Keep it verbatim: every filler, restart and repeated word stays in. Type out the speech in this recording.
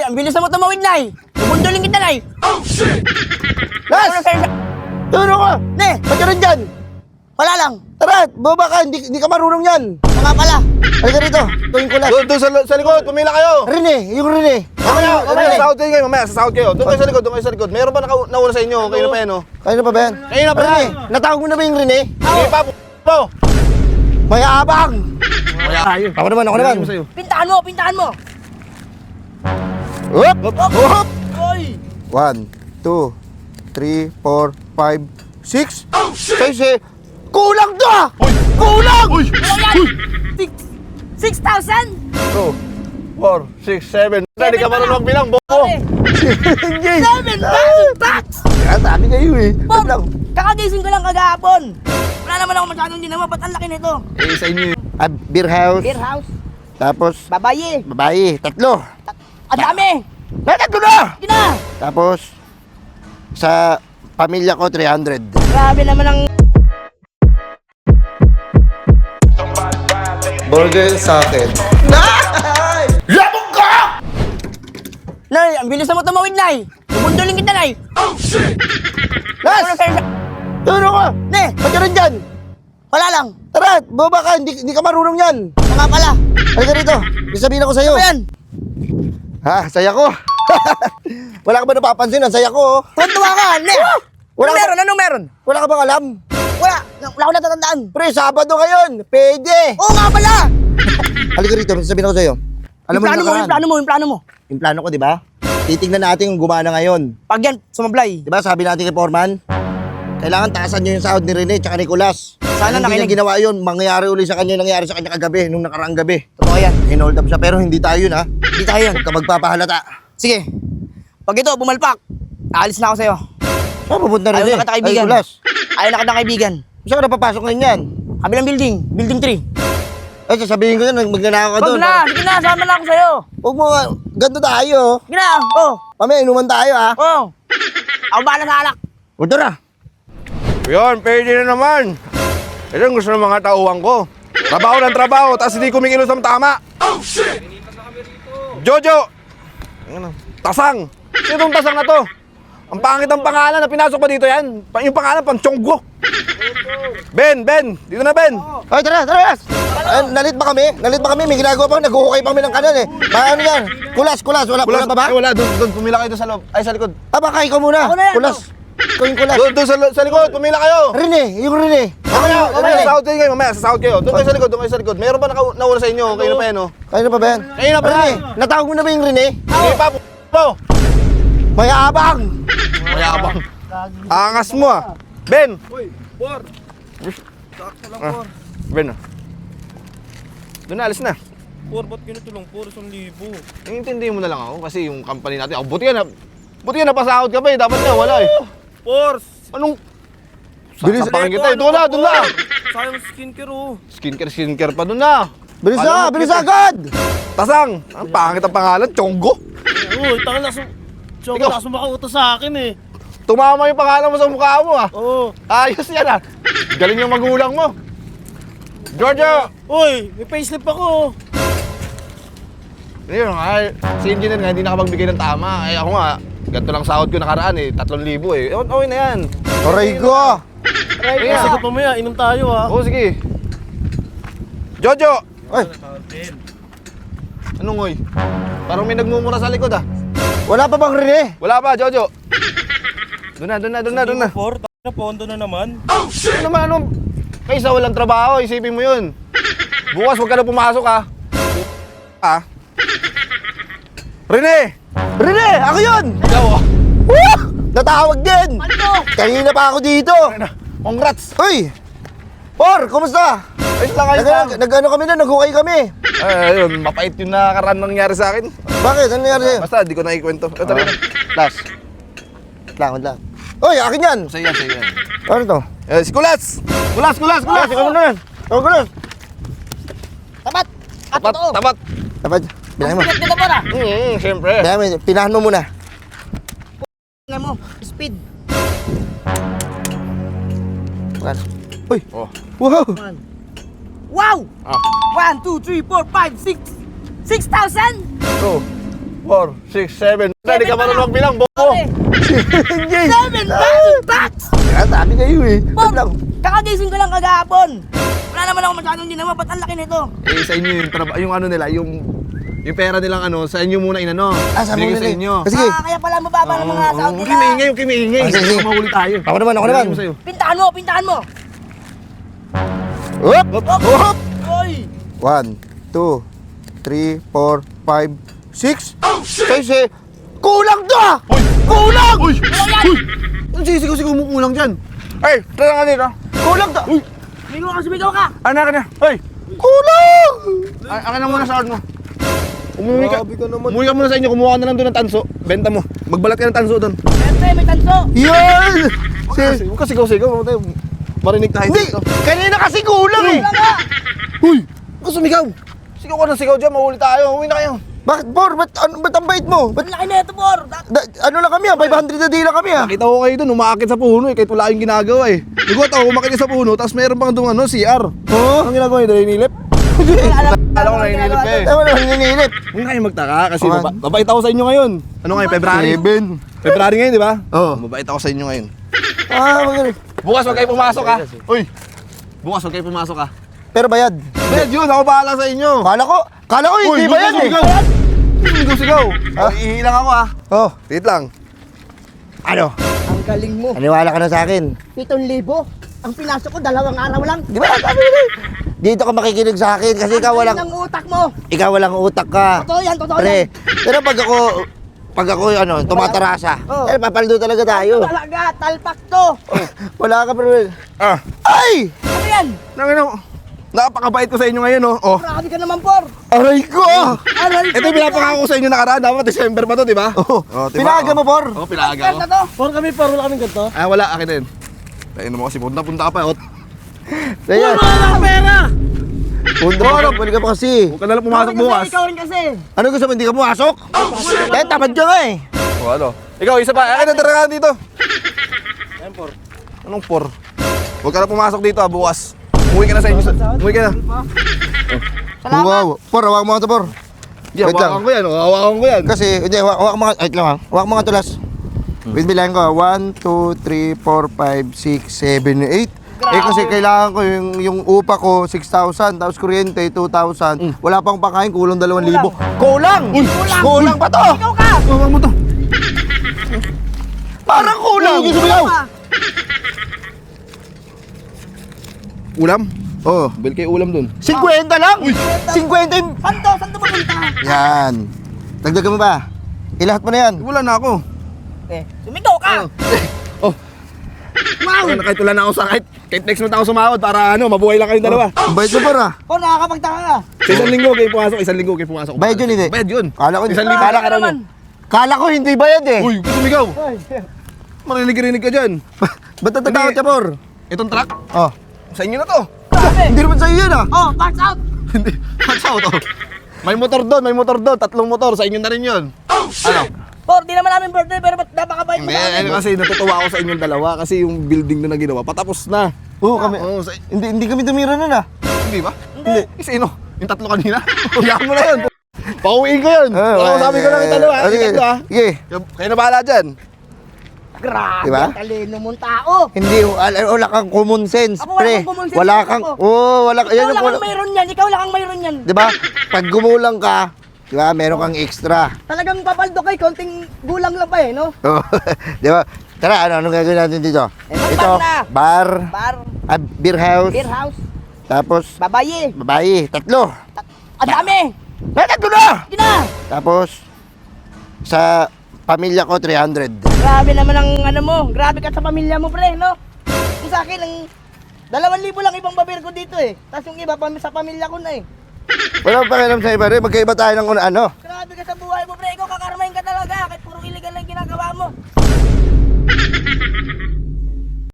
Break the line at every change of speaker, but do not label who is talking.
Nay, ang bilis na mo tumawid, Nay. Bubundulin kita, Nay.
Oh, shit!
Las! Turo ko!
Ne,
Ba't ka rin dyan?
wala lang.
Tara, baba ka, hindi, hindi ka marunong yan.
Mga pala.
Halika rito, tuwing ko last.
Doon, doon sa, sa likod, pumila kayo.
Rene, yung Rene.
Mamaya, mamaya,
Rene.
sasahod kayo, mamaya, sasahod kayo. Doon kayo sa likod, doon kayo sa likod. Meron ba naka- nauna sa inyo? Kayo na pa yan, oh.
Kayo na pa ba yan?
Kayo na pa
Rene,
yan.
natawag mo na ba yung Rene?
Sige pa, p*** mo.
Mayabang!
Tayo.
Ako naman, ako naman.
Sa'yo.
Pintahan mo, pintahan mo.
Hop! Hop!
Oy.
One, two, three, four, five, six,
Oh, shit!
seis, eh. Kulang to ah! Kulang!
Uy!
Ano yan? Six, six thousand?
Two, four, six, seven. Hindi ka marunong magbilang, bobo.
Okay. Seven thousand bucks!
Kaya sabi kayo eh.
Bob,
Wait lang.
kakagising ko lang kagahapon. Wala naman ako masyadong dinama. Ba't ang laki nito?
Eh, sa inyo yun.
Ah, beer house.
Beer house.
Tapos,
Babaye.
babae. Tatlo.
Ang dami.
May tatlo na!
Sige na.
Tapos, sa pamilya ko, three hundred.
Grabe naman ang...
Burger sa akin.
Nay, ang bilis na mo tumawid, Nay. Bubundulin kita, Nay.
Oh, shit!
Las! Turo ko!
Ne,
Ba't ka rin dyan?
wala lang.
Tara, baba ka, hindi, hindi ka marunong yan.
Mga pala.
Halika rito, may sabihin ako sa'yo.
Ano yan?
Ha, saya ko. Wala ka ba napapansin? Ang saya ko. oh.
Tuntua ka, Ne.
Wala
Anong
ka-
meron? Anong meron?
Wala ka bang alam?
Wala. Wala ko natatandaan.
Pre, Sabado ngayon. Pwede.
Oo nga pala.
Halika rito, may sabihin ako sa'yo. Alam
Yung plano mo,
nakaraan.
yung plano mo, yung plano mo.
Yung plano ko, di ba? Titignan natin kung gumana ngayon.
Pag yan, sumablay.
Di ba, sabi natin kay Foreman, kailangan taasan nyo yung sahod ni Rene tsaka Nicolas.
Sana
Kung hindi
nakinig.
niya ginawa yun, mangyayari uli sa kanya yung nangyari sa kanya kagabi, nung nakaraang gabi.
Totoo yan.
Hinold up siya, pero hindi tayo yun ha.
Hindi tayo yun.
Huwag ka magpapahalata.
Sige. Pag ito, bumalpak, aalis na ako sa'yo.
Saan pupunta
Ayaw
Rene?
na kita kaibigan.
Ay, Nicolas.
Ayaw na kita kaibigan.
Saan ka napapasok ngayon yan?
Kabilang building, building three.
Ay, sasabihin ko yun, magnanakaw ka
Wag
doon.
na, sige na, sama na ako sa'yo.
Huwag mo, ganito tayo.
Sige na, oh,
Mamaya, inuman tayo ha.
oh. Ako bahala sa alak.
Huwag na.
Yun, pwede na naman. Ito ang gusto ng mga tauhan ko. Trabaho ng trabaho, tapos hindi kumikilos ng tama.
Oh, shit!
Jojo! Ano? Tasang! Sino itong tasang na to? Ang pangit ang pangalan na pinasok pa dito yan. Pa- Yung pangalan, pang Chonggo. Ben, Ben! Dito na, Ben!
Ay, tara, tara, Las. Ay, nalit ba kami? Nalit ba kami? May ginagawa pa, naghuhukay pa kami ng kanan eh. Ba, ano yan? Kulas, kulas. Wala, kulas pa ba?
Ay, wala. Doon, doon. Pumila kayo doon sa loob. Ay, sa likod.
Ah, baka ikaw muna.
Ako na yan,
Kulas. Ikaw yung kulas.
Doon, doon sa, sa likod. Pumila kayo.
Rene, yung Rene.
Mamaya, mamaya,
Rene.
sasahod kayo. Mamaya, sasahod kayo. Doon kayo sa likod, doon kayo sa likod. Meron ba naka- nauna sa inyo? Kayo na pa yan, oh.
Kayo na pa ba yan?
Kayo na pa
Rene,
yan.
natawag mo na ba yung Rene?
Sige pa, p*** mo.
Mayabang!
Mayabang. Angas mo, ah. Ben! Uy, por. Sakto lang, por. Ben, ah. Doon na, alis na.
Por, ba't ganito lang? Por, isang libo.
Intindihin mo na lang ako kasi yung company natin, ako, buti ka na, buti ka napasahod ka pa eh, dapat nga wala eh.
Por!
Anong,
Bilis-
sasapakin kita eh, doon na, doon na.
Sayang skincare, oh.
Skincare, skincare pa doon na.
Bilis
Alam
na,
mo,
bilis
kita-
agad!
Tasang, ang pangit ang pangalan, Chonggo.
Uy, tanga na sum... Tsaka
Ikaw.
na sumakauto sa akin, eh.
Tumama yung pangalan mo sa mukha mo ah.
Oo.
Ayos yan ah. Galing yung magulang mo. Giorgio!
Uy, may payslip ako, oh.
Yun nga, si engineer nga hindi nakapagbigay ng tama. Eh ako nga, ganito lang sahod ko nakaraan eh, tatlong libo eh. O- Okay na yan.
Aray ko!
Aray
Kasi
na.
kung mamaya, inom tayo, ah.
Oo, sige. Jojo!
Ay,
Anong oy? Parang may nagmumura sa likod ah.
wala pa bang Rene?
Wala pa, Jojo. Doon na, doon na, doon na, doon na.
Por, tanga na, pondo na naman.
Oh, shit!
Ano naman, ano? Kaysa walang trabaho, isipin mo yun. Bukas huwag ka na pumasok ah. Ah. Rene!
Rene, ako yun!
Ikaw oh.
Woo! Natawag din!
Ano?
Kanina pa ako dito!
Congrats!
Uy! Por, kumusta?
Ayos lang, ayos
Nag,
lang.
nag, nag-ano kami na, naghukay kami.
Ay, ayun, mapait yung nakaraan nangyari sa akin.
Bakit? Ano nangyari sa'yo?
Basta, di ko na ikwento. Ito rin.
Last. Lang, lang. Uy, akin yan!
Sa'yo yan, sa'yo yan.
Ano to?
Eh, si Kulats! Kulats, Kulats,
Kulas,
Kulats!
ikaw muna yan. Ikaw kulas.
Tapat. At
Tapat,
totoo.
tapat.
Dapat, bilahin mo.
Bigat nito, Por, ah.
Hmm, siyempre.
Bilahin mo, pinahan mo muna.
Tingnan mo, speed.
One. Uy!
Oh.
Wow!
One. Wow!
Ah.
One, two, three, four, five, six. Six thousand?
Ito. four, six, seven. Hindi ka marunong magbilang, bobo.
Pare, seven thousand bucks!
Kaya sabi kayo eh.
Por,
Ba't lang?
kakagising ko lang kagahapon. Wala naman ako masyadong ginawa, ba't ang laki nito?
Eh, sa inyo yung, traba- yung ano nila, yung, yung pera nilang ano, sa inyo muna inano.
Ah, sa
Binigay
mga
sa inyo.
Ah, sige.
Ah, kaya pala mababa ng mga sound
Huwag
nila.
kimiingay, huwag kimiingay.
Ah, sige, sige.
Mahuli tayo.
Ako naman, ako naman.
Binigay mo sa'yo.
Pintahan mo, pintahan mo.
Hop! Hop!
Oy!
One, two, three, four, five, six.
Oh shit!
Kasi, kulang to ah! Kulang!
Uy! Uy! Ano sisigaw-sigaw mo kulang dyan? Ay, tara nga dito.
Kulang to!
Uy!
Sumigaw ka, sumigaw ka!
Ano ka na? Hoy!
Kulang!
A- Akin na muna sa mo. Umuwi ka.
Grabe ka naman.
Umuwi ka muna sa inyo. Kumuha ka na lang doon ng tanso. Benta mo. Magbalat ka ng tanso doon.
Siyempre, may tanso.
Yan!
Huwag ka kasi- huwag ka sigaw-sigaw. Huwag tayo marinig tayo
Hindi!
dito.
Kanina kasi kulang eh!
Wala ka!
Huy! Huwag ka sumigaw. Sigaw ka ng sigaw dyan. Mahuli tayo. Uwi na kayo.
Bakit, Por? Ba't, ano, ba't ang bait mo? Ba't,
Ba't laki na ito, Por? Da-
da, ano lang kami ah? five hundred na di lang kami ah!
Nakita ko kayo doon. Umaakit sa puno eh. Kahit wala yung ginagawa eh. Ligot ako. Umakit sa puno. Tapos meron pang doon ano, C R.
Oo?
Anong ginagawa nyo? Dahil nilip?
Alam
Alam ko na inilip ka eh.
Tama naman, nininip.
Huwag na kayo magtaka kasi
Okay.
maba- mabait ako sa inyo ngayon. Ano ngayon? February?
Seven.
February ngayon, di ba?
Oo.
Mabait ako sa inyo ngayon.
Ah, magaling.
Bukas huwag kayo pumasok ha. Uy! Bukas huwag kayo pumasok ha.
Pero bayad.
Bed yun, ako bahala sa inyo.
Kala ko, kala ko hindi
Uy,
bayad eh.
sigaw! Sigaw, sigaw!
Ha?
Ihilang ako ha.
Oh,
Wait lang.
ano?
Ang galing mo.
Aniwala ka na sa akin.
Pitong libo. Ang pinasok ko, dalawang araw lang.
Di ba? Sabi ko eh. Dito ka makikinig sa akin kasi ikaw
Ang
walang,
galing ng utak mo.
ikaw walang utak ka.
Totoo yan, totoo
Pre,
yan.
pero pag ako, pag ako ano, tumatarasa,
Oo.
eh, papaldo talaga tayo.
Talaga, talpak to.
Wala ka, pero,
Ah,
ay!
Ano yan?
nangin napakabait ko sa inyo ngayon oh. Oh.
Grabe ka naman, Por.
Aray ko!
Aray
Ito yung pinapangako ko sa inyo nakaraan. Dapat December pa to, di ba?
Oh,
Oh, diba?
pinaga mo, Por.
Oo, pinaga
Yan
ko.
na to.
Por kami, por wala kaming ganito.
Ah, wala. Akin din. Tayo mo kasi punta-punta ka pa. Oh.
Ayan.
Wala kang pera!
Punta
Oh,
mo,
ano?
balik ka pa kasi.
Huwag ka nalang pumasok
Ikaw rin
bukas.
kasi, Ikaw rin kasi.
Ano gusto mo, hindi ka pumasok? Eh, tamad ka nga eh.
Oh, ano? Ikaw, isa pa. Akin na tara ka dito.
Ayun, por.
Anong por? Huwag ka na pumasok dito ah, bukas. Umuwi ka na sa inyo. Umuwi ka na.
Salamat.
Wow. Por, hawak mo nga ito, Por.
Yeah,
Wait lang.
hawakan ko yan. Oh. Hawakan ko yan.
Kasi, hindi, hawak, hawak mo nga, wait lang ha. Hawak mo nga tulas. Wait, bilangin ko. one, two, three, four, five, six, seven, eight. Eh kasi kailangan ko yung, yung upa ko, six thousand, tapos kuryente, two thousand. Wala pang pakain, kulang dalawang libo. Kulang!
Kulang.
Kulang pa to!
Ikaw ka.
Hawakan mo to.
Parang kulang!
Uy, sumigaw!
Ka.
Ulam?
Oh,
Bil kayo ulam dun.
fifty lang! fifty yung...
Saan to? Saan to mapunta?
Yan. Dagdagan mo ba? Ilahat mo na yan.
Wala na ako.
Eh, sumigaw ka.
Oh. Wow! Kahit wala na ako sa kahit, kahit next month ako sumahod para ano, mabuhay lang kayong dalawa.
Ang bayad mo, Por ah.
Por, nakakapagtaka ka.
Sa isang linggo kayo pumasok, isang linggo kayo pumasok.
Bayad yun, hindi?
Bayad yun.
Kala ko,
Isang libo.
kala,
Ka naman.
kala ko hindi bayad eh.
Uy, ba't sumigaw? Marinig-rinig ka dyan.
Ba't natatakot
Hindi.
ka, Por?
Itong truck,
Oh.
sa inyo na to.
Grabe.
Hindi naman sa'yo yan ah.
Oh, parts out.
Hindi. Watch out, oh. May motor doon, may motor doon. Tatlong motor, sa inyo na rin yun.
Oh shit!
Ano?
Por, di naman namin birthday, pero ba't napakabait mo
Hindi,
sa amin?
ano kasi natutuwa ako sa inyong dalawa kasi yung building na ginawa, patapos na.
Oo, kami.
Oo, sa,
Hindi hindi kami tumira nun ah.
hindi ba? Hindi. Eh, sino? Yung tatlo kanina? Huwag mo na yun. Pauwiin ko yun.
Ah,
Ako sabi ko lang yung dalawa.
ah,
Yung
sige.
tatlo ah.
Sige.
Kayo na bahala dyan.
Grabe,
Diba?
talino mong tao.
Hindi, wala, wala kang common sense,
Ako, wala
pre.
akong common sense,
Wala
ako.
kang, oo, oh, wala,
Ikaw
yan
lang
yung,
ang mayroon yan. Ikaw lang ang mayroon yan.
di ba? Pag gumulang ka, di ba, meron kang extra.
Talagang papaldo kay konting gulang lang pa eh, no?
Oo. di ba? Tara, ano, anong gagawin natin dito?
Eh, mag-bar
Ito,
na.
bar,
Bar,
ah, beer house,
beer house,
tapos,
babaye.
babae, tatlo.
Ang dami.
Na, tatlo na!
Hindi na.
Tapos, sa pamilya ko, three hundred.
Grabe naman ang ano mo. Grabe ka sa pamilya mo, pre, no? Yung sa akin, ang dalawang libo lang ibang babir ko dito eh. Tapos yung iba pa sa pamilya ko na eh.
Wala pa pakialam sa iba rin, magkaiba tayo ng una, ano.
Grabe ka sa buhay mo, pre. Ikaw kakarmahin ka talaga. Kahit puro illegal lang ginagawa mo.